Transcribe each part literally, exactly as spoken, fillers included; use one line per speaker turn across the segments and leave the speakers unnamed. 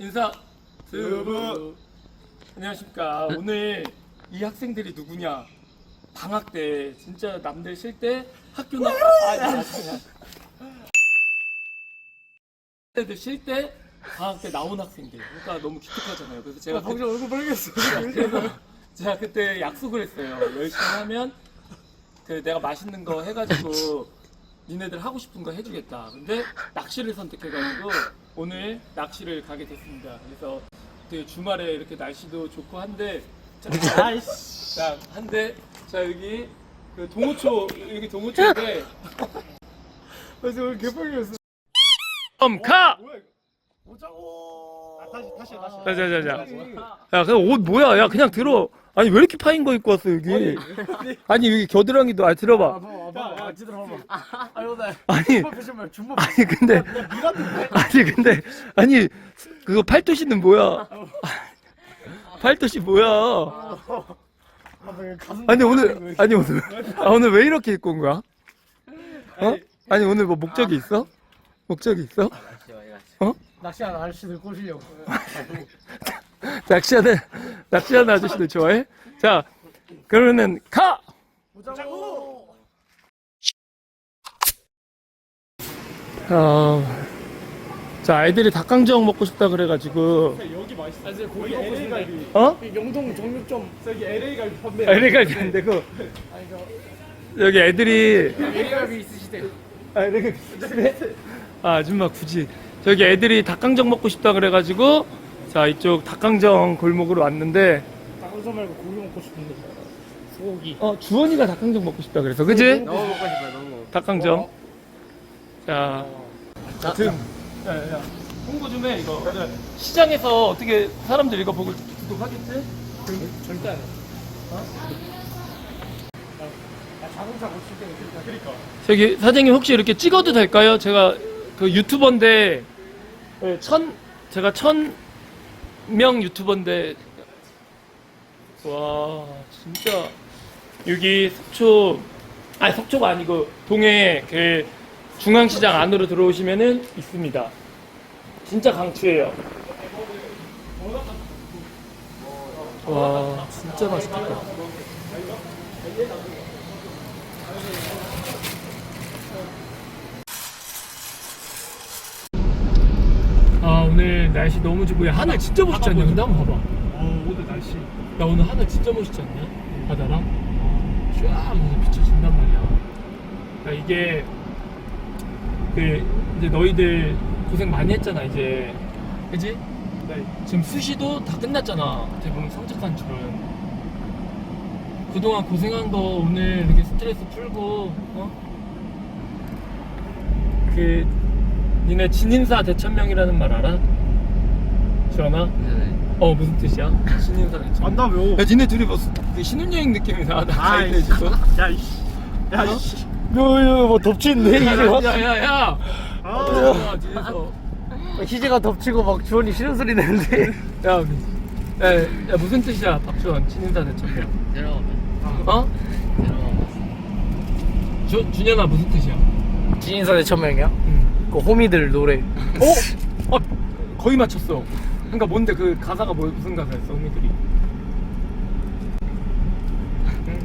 인사. 스브. 안녕하십니까. 오늘 이 학생들이 누구냐? 방학 때 진짜 남들 쉴 때 학교 나. 아니 아니 아니. 쉴 때 방학 때 나온 학생들. 그러니까 너무 기특하잖아요. 그래서 제가
방금 그... 얼굴 빨개졌어.
그래서 제가 그때 약속을 했어요. 열심히 하면 그 내가 맛있는 거 해가지고 니네들 하고 싶은 거 해주겠다. 근데 낚시를 선택해가지고 오늘 낚시를 가게 됐습니다. 그래서 되게 주말에 이렇게 날씨도 좋고 한데 자, 자 한데 자 여기 그 동호초 여기 동호초인데
그래서 얼굴 개빨개졌어.
그럼 가!
오자고. 아, 다시 다시 다시.
자자자자. 야 그냥 옷 뭐야? 야 그냥 들어. 아니 왜 이렇게 파인 거 입고 왔어 여기? 아니 여기 겨드랑이도 아 들어봐.
야, 지들어 봐봐. 아니 오늘
아니
준법 표시말 준법.
아니 근데 아니 근데 아니 그거 팔토시는 뭐야? 팔토시 뭐야? 아니 오늘 아니 오늘 아, 오늘 왜 이렇게 입고 온 거야? 어? 아니 오늘 뭐 목적이 있어? 목적이 있어? 어?
낚시하는 아저씨들 꼬시려고.
낚시하는 낚시하는 아저씨들 좋아해? 자 그러면은 가!
오자고.
어, 자 애들이 닭강정 먹고 싶다 그래가지고
여기 맛있어. 아, 이제 고기 먹고 싶다.
어?
영동 정육점 저기 엘에이 갈비 판매.
엘에이 갈비 안 되고
아니 저
여기 애들이
엘에이 갈비 있으시대.
아 이렇게 비슷해? 아 아줌마 굳이 저기 애들이 닭강정 먹고 싶다 그래가지고 자 이쪽 닭강정 골목으로 왔는데
닭강정 말고 고기 먹고 싶은데. 소고기.
어 주원이가 닭강정 먹고 싶다 그래서 그지?
너무 먹고 싶어요. 너무.
닭강정 자 등 야야 홍보 좀 해 이거 시장에서 어떻게 사람들 이거 보고 구독하겠지?
절대 안 해. 어? 나 자동차 고칠 때는 그러니까. 그러니까.
저기 사장님 혹시 이렇게 찍어도 될까요? 제가 그 유튜버인데 네, 천 제가 천 명 유튜버인데 와 진짜 여기 속초 아니 속초가 아니고 동해 그 중앙시장 안으로 들어오시면은 있습니다. 진짜 강추해요. 와 진짜 맛있겠다. 아 오늘 날씨 너무 좋고 야 하늘 진짜 멋있지 않냐? 근데 한번 봐봐.
어 오늘 날씨.
야 오늘 하늘 진짜 멋있지 않냐? 바다랑 쫙 이렇게 비춰진단 말이야. 야 이게 그 이제 너희들 고생 많이 했잖아 이제 그지?
네.
지금 수시도 다 끝났잖아 대부분 성적 산출은. 그동안 고생한 거 오늘 이렇게 스트레스 풀고 어? 그 니네 진인사 대천명이라는 말 알아? 주원아?
네네.
어 무슨 뜻이야? 신인사 대천명.
안다며.
야 니네 둘이 뭐 그 신혼여행 느낌이 나. 나
아이,
가이드 해줘서.
야 이씨. 야 이씨. 너뭐 덮친데 이제.
야야야.
아.
야 뒤에서.
희재가 덮치고 막 주원이 싫은 소리 내는데.
야, 야, 야 무슨 뜻이야 박주원 신인사 대천명.
들어가면.
어?
들어가면.
주 준현아 무슨 뜻이야?
진인사대 천명이야?
응.
그 호미들 노래.
어? 어? 거의 맞췄어. 그러니까 뭔데 그 가사가 뭐 무슨 가사였어 언니들이? 응?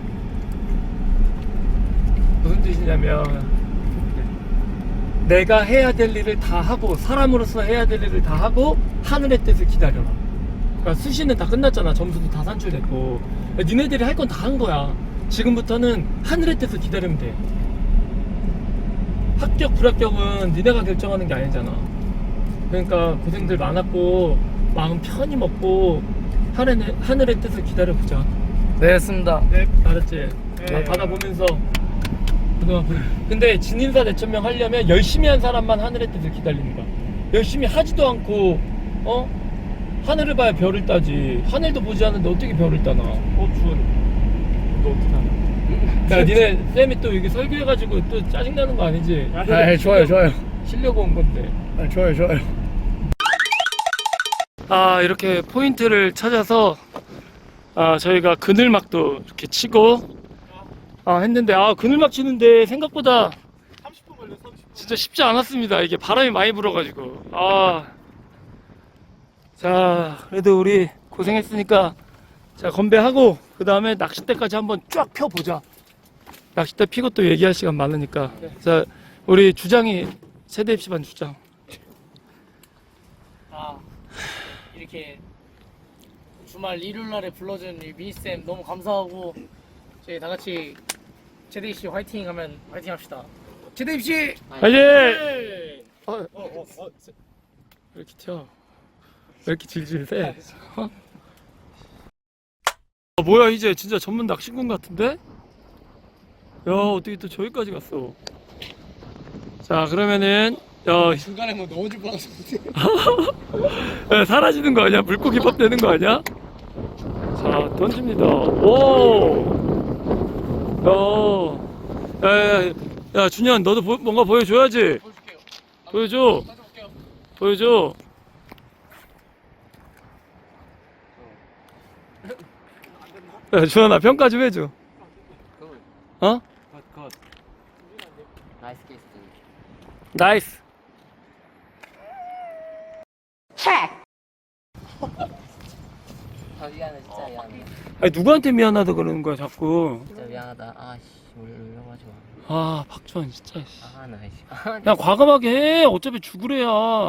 무슨 뜻이냐면 내가 해야 될 일을 다 하고 사람으로서 해야 될 일을 다 하고 하늘의 뜻을 기다려라. 그러니까 수시는 다 끝났잖아. 점수도 다 산출됐고 야, 니네들이 할 건 다 한 거야. 지금부터는 하늘의 뜻을 기다리면 돼. 합격 불합격은 니네가 결정하는 게 아니잖아. 그러니까 고생들 많았고 마음 편히 먹고 하늘의, 하늘의 뜻을 기다려보자.
네, 했습니다.
네 알았지?
네.
아, 받아보면서 그동안 보- 근데 진인사 대천명 하려면 열심히 한 사람만 하늘의 뜻을 기다리는 거야. 열심히 하지도 않고 어? 하늘을 봐야 별을 따지. 하늘도 보지 않는데 어떻게 별을 따나? 어 주원 너 어떻게 하냐? 야 니네 쌤이 또 여기 설교해가지고 또 짜증나는 거 아니지?
아, 좋아요, 좋아요.
쉬려고 온 건데.
아, 좋아요, 좋아요.
아 이렇게 포인트를 찾아서 아 저희가 그늘막도 이렇게 치고 아 했는데 아 그늘막 치는데 생각보다
삼십 분 걸려, 삼십 분.
진짜 쉽지 않았습니다. 이게 바람이 많이 불어가지고 아 자, 그래도 우리 고생했으니까 자 건배하고 그 다음에 낚싯대까지 한번 쫙 펴보자. 낚싯대 피고 또 얘기할 시간 많으니까. 자, 우리 주장이 세대 입시반 주장.
아 이렇게 주말 일요일날에 불러준 이 미니쌤 너무 감사하고 저희 다 같이 제대 입시 화이팅 하면 화이팅 합시다. 제대 입시
화이팅!
네.
어, 어, 어, 어, 왜 이렇게 튀어? 왜 이렇게 질질 세? 어? 아, 뭐야 이제 진짜 전문 낚시꾼 같은데? 야 어떻게 또 저기까지 갔어? 자 그러면은 야
중간에 뭐 넣어줄 뻔했어.
야, 사라지는 거 아니야? 물고기 밥 되는 거 아니야? 자 던집니다. 오, 야, 야, 야, 야 준현 너도 보, 뭔가 보여줘야지.
보여줄게요.
보여줘,
가져올게요.
보여줘. 야 준현아 평가 좀 해줘. 어?
나이스 케이스.
나이스.
아 미안해 진짜 미안해.
아니 누구한테 미안하다 그러는 거야 자꾸.
진짜 미안하다. 아씨 울려가지고.
아 박주환 진짜. 씨.
아 나이씨. 아,
그냥 과감하게 해. 어차피 죽으래야.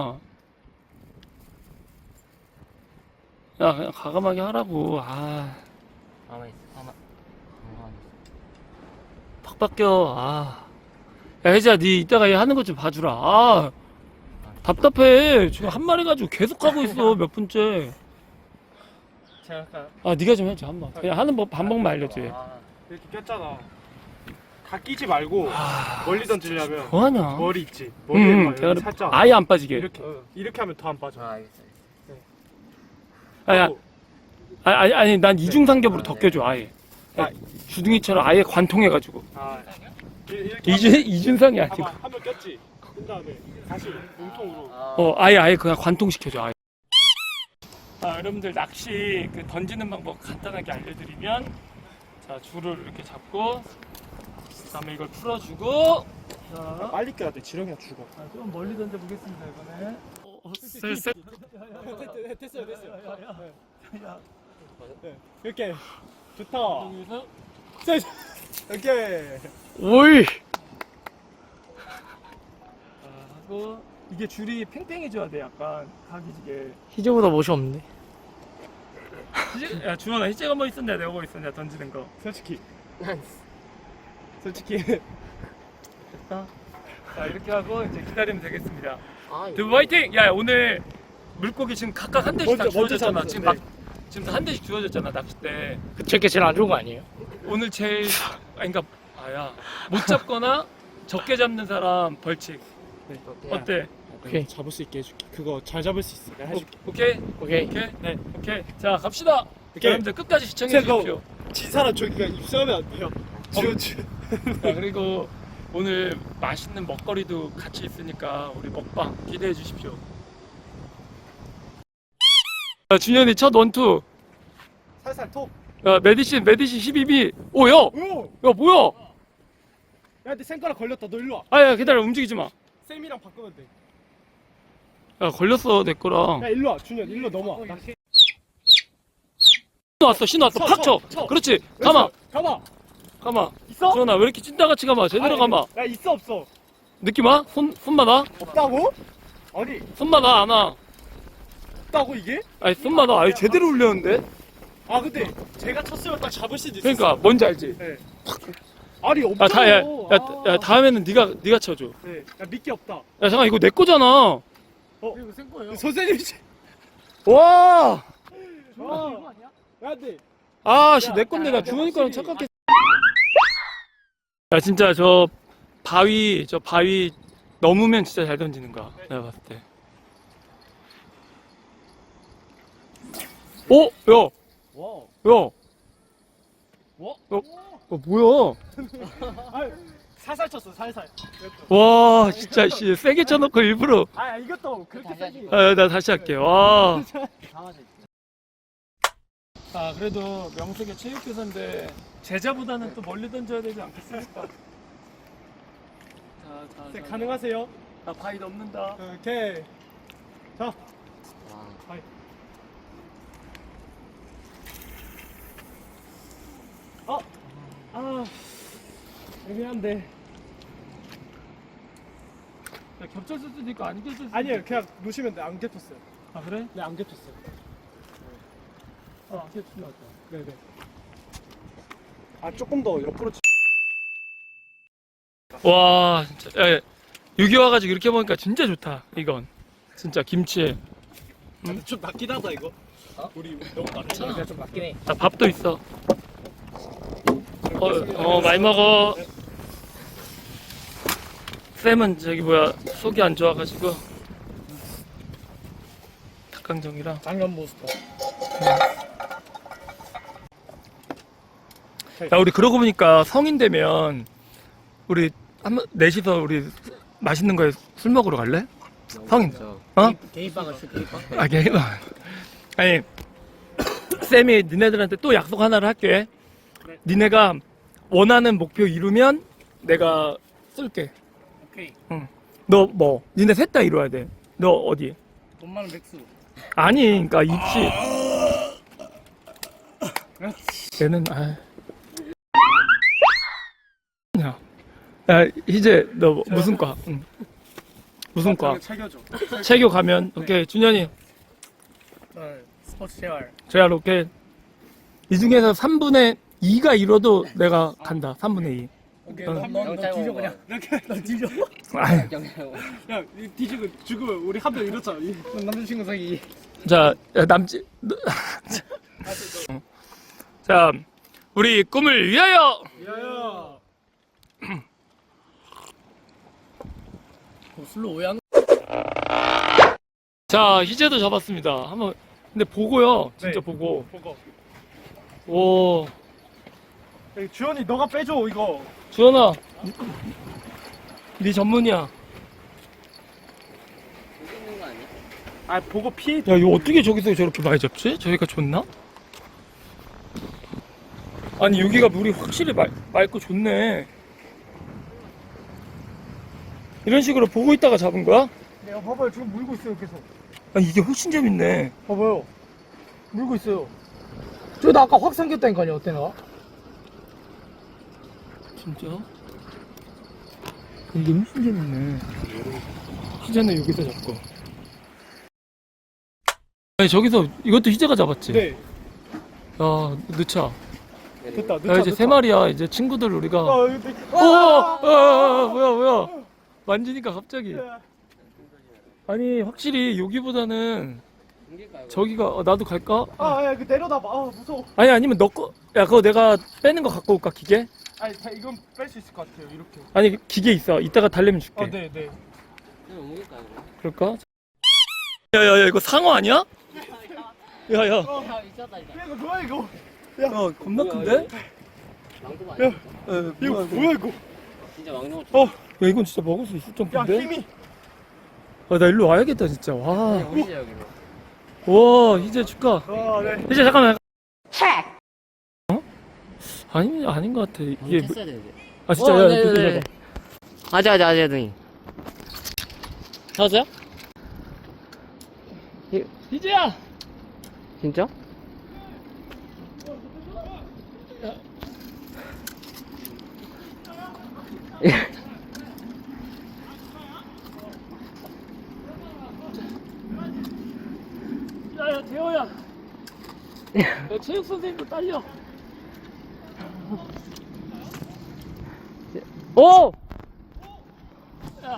야 그냥 과감하게 하라고. 아
가만 있어. 가만. 가만 있어.
팍 바뀌어. 아. 야 혜지야 니 이따가 얘 하는 것 좀 봐주라. 아 답답해. 지금 한 마리 가지고 계속 하고 있어 몇 분째.
제가 아까
아 네가 좀 해줘 한번. 그냥 하는 법 반복만 알려줘.
아,
이렇게 꼈잖아. 다 끼지 말고 멀리 던지려면
뭐하냐?
머리 있지.
응,
머리에
응,
막
대가리
살짝
아예 안 빠지게.
이렇게 이렇게 하면 더 안 빠져.
아 알겠어.
아야, 아니 아니 아니 난 이중 삼겹으로
아,
더
네.
껴줘 아예.
아.
주둥이처럼 아예 관통해가지고.
아, 이- 이렇게
이준 이준상이 아니고.
봐봐, 한번 꼈지. 그 다음에 다시 몸통으로.
아,
어 아예 아예 그냥 관통시켜줘 아예. 아 여러분들 낚시 그 던지는 방법 간단하게 알려드리면 자 줄을 이렇게 잡고 그다음에 이걸 풀어주고 자
빨리 껴야 돼. 지렁이가 죽어.
아, 좀 멀리 던져 보겠습니다 이번에. 어, 어, 쎄쎄.
됐어요, 됐어요. 네, 이렇게 좋다.
여기서
이렇게
오이. 자, 하고 이게 줄이 팽팽해져야 돼 약간 각이지게.
희재보다 멋이 없네.
희재- 야 주원아 희재가 뭐 있었냐 내가 뭐 있었냐 던지는 거.
솔직히 솔직히
됐다. 자 이렇게 하고 이제 기다리면 되겠습니다.
아
두 화이팅! 야 오늘 물고기 지금 각각 한 대씩 다
먼저- 먼저
주어졌잖아.
잡았어,
지금
네.
막 지금 다 한 대씩 주어졌잖아 낚싯대.
제게 제일 안 좋은 거 아니에요?
오늘 제일 아니 그러니까 아야 못 잡거나 적게 잡는 사람 벌칙. 어때?
오케이.
잡을 수 있게 해줄게. 그거 잘 잡을 수 있어. 내가 해줄게.
오, 오케이?
오케이.
오케이? 네. 오케이. 자 갑시다.
오케이.
여러분들 끝까지 시청해
제가
주십시오.
진 사람 저기가 입수하면 안 돼요. 지원 지원.
자, 그리고 오늘 맛있는 먹거리도 같이 있으니까 우리 먹방 기대해 주십시오. 자, 준현이 첫 원투.
살살 톡.
야, 메디신, 메디신 십이 비. 오, 야!
오!
야, 뭐야?
야, 내 생가락 걸렸다. 너 일로 와.
아, 야, 기다려. 움직이지 마.
쌤이랑 바꾸면 돼.
야, 걸렸어, 내 거랑.
야, 일로 와. 준현, 일로 넘어와. 나
신호 왔어, 신호 왔어.
쳐,
팍 쳐.
쳐, 쳐.
그렇지. 가마.
가마.
가마.
있어?
준현아, 왜 이렇게 찐따같이 가마? 제대로
아니,
가마.
야, 있어 없어?
느낌 와? 손, 손만 와?
없다고? 아니,
손만 와, 안 와?
없다고 이게?
아니, 손만 와. 아니, 제대로 올렸는데?
아, 근데 제가 쳤으면 딱 잡을 수도 있어.
그러니까, 뭔지 알지?
네. 아니,
야,
없다고.
다, 야, 야,
아.
야, 다음에는 네가 네가 쳐줘.
네. 야, 미끼 없다.
야, 잠깐 이거 내 거잖아.
어?
이거 센 거예요.
선생님이
와,
아, 이거 아니야? 야, 네.
아, 씨,
야,
내 건데
야,
나
야,
주머니 거랑
확실히.
착각했어. 야, 진짜 저 바위, 저 바위 넘으면 진짜 잘 던지는 거야. 내가 봤을 때. 어, 야,
와.
야,
뭐?
어, 어 뭐야?
아, 살살 쳤어, 살살.
와, 진짜 씨, 세게 쳐놓고 일부러.
아, 이것도 그렇게 세지.
아, 나 다시 할게. 와.
가만히 있어.
아, 그래도 명색의 체육교사인데 제자보다는 또 멀리 던져야 되지 않겠습니까? 자, 자,
네,
자.
가능하세요?
나 바위 넘는다.
오케이. 자,
와.
한데.
야, 겹쳤을 수도 있고 안 겹쳤을 수도
아니에요,
있고.
그냥 놓으시면 돼. 안 겹쳤어요.
아 그래?
네, 안 겹쳤어요.
아 겹친 것 같다.
네네. 아, 조금 더 옆으로 치.
와 진짜 야, 여기 와가지고 이렇게 먹으니까 진짜 좋다. 이건 진짜 김치에
좀 낮긴 하다, 이거. 우리 너무 낮잖아.
내가 좀 맞긴 해.
아, 밥도 있어. 어, 어 많이 먹어. 쌤은 저기 뭐야 속이 안 좋아가지고 닭강정이랑.
당근 모스터.
야 우리 그러고 보니까 성인 되면 우리 한번 넷이서 우리 맛있는 거에 술 먹으러 갈래? 성인. 어?
게이빵을 쓸 게이빵.
아, 게 아니, 쌤이 니네들한테 또 약속 하나를 할게. 니네가 원하는 목표 이루면 내가 쏠게.
오케이.
응. 너 뭐? 니네 셋 다 이뤄야 돼. 너 어디?
돈 많은 백수.
아니, 그러니까 입시. 얘는 아. 야, 야 이제 너 무슨 과? 응. 무슨 과?
챙겨줘.
체교 가면 오케이 준현이.
저는 스포츠 재활.
제가 이렇게 이 중에서 삼분의 이가 이뤄도 내가 간다. 삼분의 이.
오케이.
응.
넌너 뒤져 그냥.
이렇게.
너 뒤져.
아이,
야, 이 뒤지고 죽으면 우리 한 명 잃었잖아. 이-
넌 남자친구 사기.
자, 야, 남지. 너- 자, 우리 꿈을 위하여.
야야.
뭐 술로 오해하는.
자, 희재도 잡았습니다. 한번. 근데 보고요. 진짜
네.
보고.
보고.
오,
야, 주현이 너가 빼줘 이거.
주현아. 네 전문이야.
아, 보고 피해.
야, 이거 어떻게 저기서 저렇게 많이 잡지? 저기가 좋나? 아니, 여기가 물이 확실히 맑, 맑고 좋네. 이런 식으로 보고 있다가 잡은 거야?
야, 봐봐요. 지금 물고 있어요, 계속.
아니, 이게 훨씬 재밌네.
봐봐요. 물고 있어요.
저나 아까 확 삼켰다니까요. 어때 나?
진짜? 이게 훨씬 재밌네. 희재는 여기서 잡고. 아니, 저기서 이것도 희재가 잡았지?
네.
야, 넣자.
됐다.
야,
늦다,
이제 세 마리야. 이제 친구들 우리가.
아, 이거 되게-
오! 어, 어, 어, 뭐야, 뭐야. 만지니까 갑자기. 아니, 확실히 여기보다는 저기가, 어, 나도 갈까?
아, 야, 그 내려놔봐. 아, 무서워.
아니, 아니면 너 거, 야, 그거 내가 빼는 거 갖고 올까, 기계?
아니, 자, 이건 뺄 수 있을 것 같아요. 이렇게.
아니, 기계 있어. 이따가 달래면 줄게.
아, 네, 네.
그럴까? 야, 야, 야, 이거 상어 아니야? 야, 야. 야,
야 있었다 이거.
야, 이거 뭐야 이거?
겁나 큰데?
야,
야,
이거
뭐야,
뭐야 이거?
진짜 왕룡
어,
야, 이건 진짜 먹을 수 있을
야,
정도인데?
힘이.
아, 나 일로 와야겠다, 진짜. 와.
오시죠 여기로.
와, 희재 축하.
아, 네.
희재, 잠깐만. 어? 아니, 아닌 것 같아. 이게. 뭐-
했어야 되는데.
아, 진짜,
어,
야,
네,
야,
네,
야,
네. 아자 아자 아자 등이.
맞아? 희재야!
진짜?
야, 야, 재호야. 야, 체육 선생님도 딸려.
오!
야.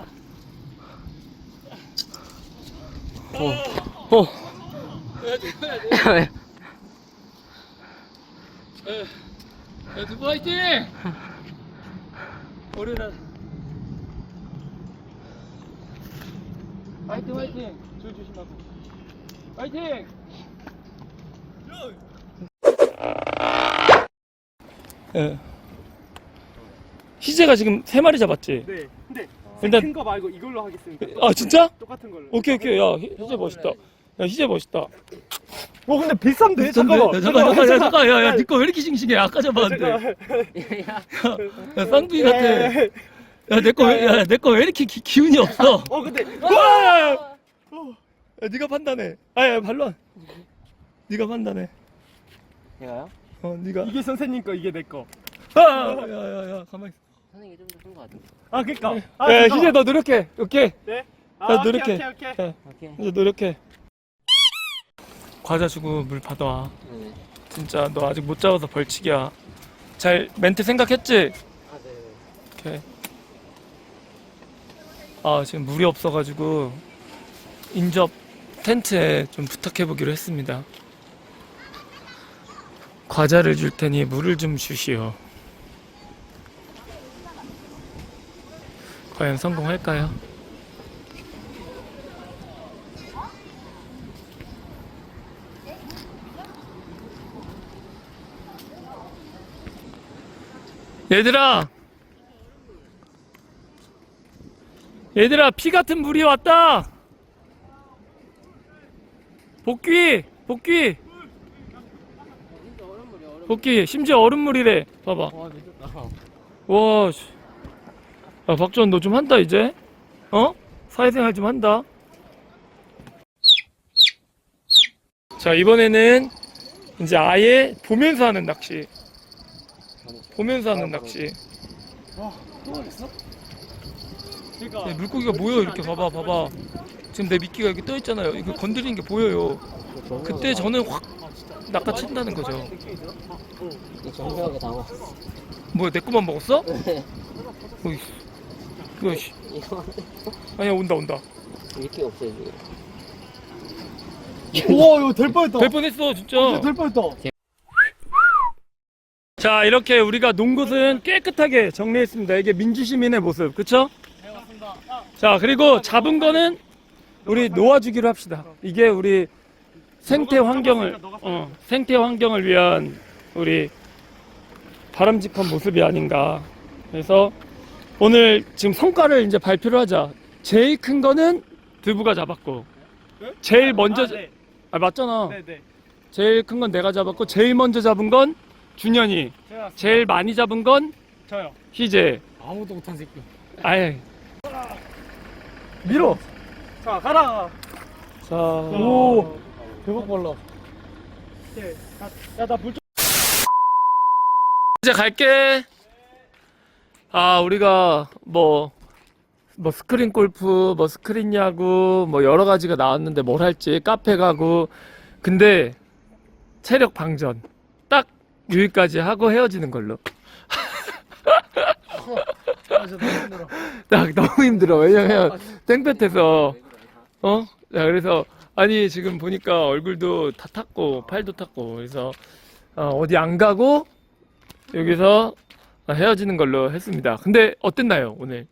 어. 어.
야, 재호야, 야, 야, 두부 화이팅! 우리는 화이팅, 화이팅! 줄 조심하고. 화이팅! 예. 희재가 지금 세 마리 잡았지?
네. 근데
일단-
큰 거 말고 이걸로 하겠습니다.
아, 진짜?
똑같은 걸로.
오케이, 오케이. 야, 희- 희재 멋있다. 야, 희재 멋있다.
어, 근데 비싼데?
비싼데?
잠깐만.
야, 잠깐, 잠깐, 야, 잠깐, 야, 야, 니꺼 왜 이렇게 싱싱해? 아까 잡았는데. 야, 쌍둥이 같아. 야, 내 거, 왜- 야, 내 거 왜 이렇게 기, 기운이 없어?
어, 근데
와! 야, 네가 판단해. 아, 야, 발로. 네가 판단해.
제가요?
어, 네가.
이게 선생님 거, 이게 내 거.
아, 야, 야, 야, 가만 있어.
선생님이 좀 더 큰 거 같은데.
아 그니까.
네,
아, 잠깐만.
희재 너 노력해. 오케이.
네?
아,
아,
노력해.
오케이, 오케이, 오케이.
네,
오케이.
이제 노력해. 과자 주고 물 받아와.
네.
진짜 너 아직 못 잡아서 벌칙이야. 잘 멘트 생각했지?
아, 네.
오케이. 아 지금 물이 없어가지고 인접 텐트에 좀 부탁해보기로 했습니다. 과자를 줄 테니 물을 좀 주시오. 과연 성공할까요? 얘들아! 얘들아, 피 같은 물이 왔다! 복귀! 복귀! 복귀! 심지어 얼음물이래. 봐봐.
와, 미쳤다.
와, 씨. 야, 박주원, 너 좀 한다, 이제? 어? 사회생활 좀 한다. 자, 이번에는 이제 아예 보면서 하는 낚시. 보면서 하는 낚시.
그러니까
야, 물고기가 모여, 이렇게. 봐봐, 봐봐. 지금 내 미끼가 이렇게 떠있잖아요. 이거 건드리는 게 보여요. 그때 저는 확 낚아챈다는 거죠.
정교하게 담아.
뭐야, 내 거만 먹었어?
네.
어이, 이거, 씨.
이거
아니야, 온다, 온다.
미끼 없어요, 지금.
우와 이거 될 뻔했다.
될 뻔했어, 진짜.
진짜 될 뻔했다.
자, 이렇게 우리가 논 곳은 깨끗하게 정리했습니다. 이게 민주시민의 모습, 그쵸? 자, 그리고 잡은 거는 우리 놓아주기로 합시다. 이게 우리 생태 환경을, 어, 생태 환경을 위한 우리 바람직한 모습이 아닌가. 그래서 오늘 지금 성과를 이제 발표를 하자. 제일 큰 거는 두부가 잡았고, 제일 먼저,
아, 네.
아, 맞잖아.
네, 네.
제일 큰 건 내가 잡았고, 제일 먼저 잡은 건 준현이,
제가
제일 많이 잡은 건
저요.
희재.
아무도 못한 새끼.
아예 밀어.
자 가라.
자,
오.
대박 빨라.
야나불 좀.
이제 갈게. 아, 우리가 뭐, 뭐 스크린 골프, 뭐 스크린 야구, 뭐 여러 가지가 나왔는데 뭘 할지, 카페 가고. 근데 체력 방전. 딱 여기까지 하고 헤어지는 걸로.
아, 진짜 너무 힘들어.
딱 너무 힘들어. 왜냐면 땡볕에서 어? 자, 그래서 아니 지금 보니까 얼굴도 다 탔고 팔도 탔고 그래서 어, 어디 안 가고 여기서 헤어지는 걸로 했습니다. 근데 어땠나요 오늘?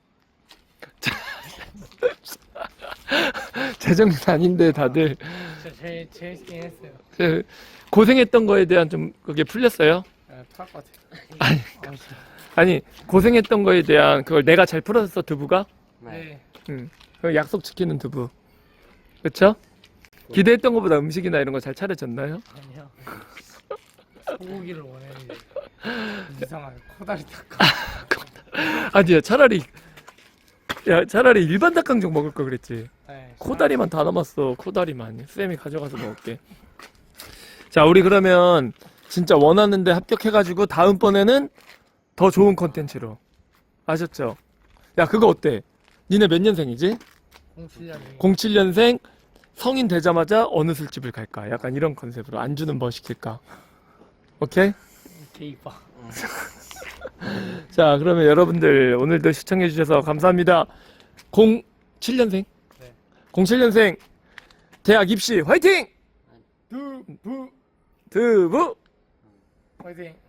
재정신 아닌데 다들
진짜 제일 재밌긴 했어요.
그 고생했던 거에 대한 좀 그게 풀렸어요?
네, 토할 것 같아요.
아니,
아, 진짜.
아니 고생했던 거에 대한 그걸 내가 잘 풀었어 두부가?
네.
응. 그 약속 지키는 두부. 그쵸? 기대했던 것보다 음식이나 이런 거 잘 차려졌나요?
아니요. 소고기를 원했는데 이상하게 코다리 닭가.
아니야, 차라리, 야, 차라리 일반 닭강정 먹을 걸 그랬지.
네,
코다리만 다 남았어, 코다리만. 쌤이 가져가서 먹을게. 자, 우리 그러면 진짜 원하는데 합격해가지고 다음번에는 더 좋은 컨텐츠로. 아셨죠? 야, 그거 어때? 니네 몇 년생이지?
공칠 년이
공칠 년생 성인 되자마자 어느 술집을 갈까? 약간 이런 컨셉으로 안주는 뭐 시킬까? 오케이?
개이빠.
자, 그러면 여러분들 오늘도 시청해 주셔서 감사합니다. 공칠 년생?
네.
공칠 년생 대학 입시 화이팅!
두부.
두부!
화이팅.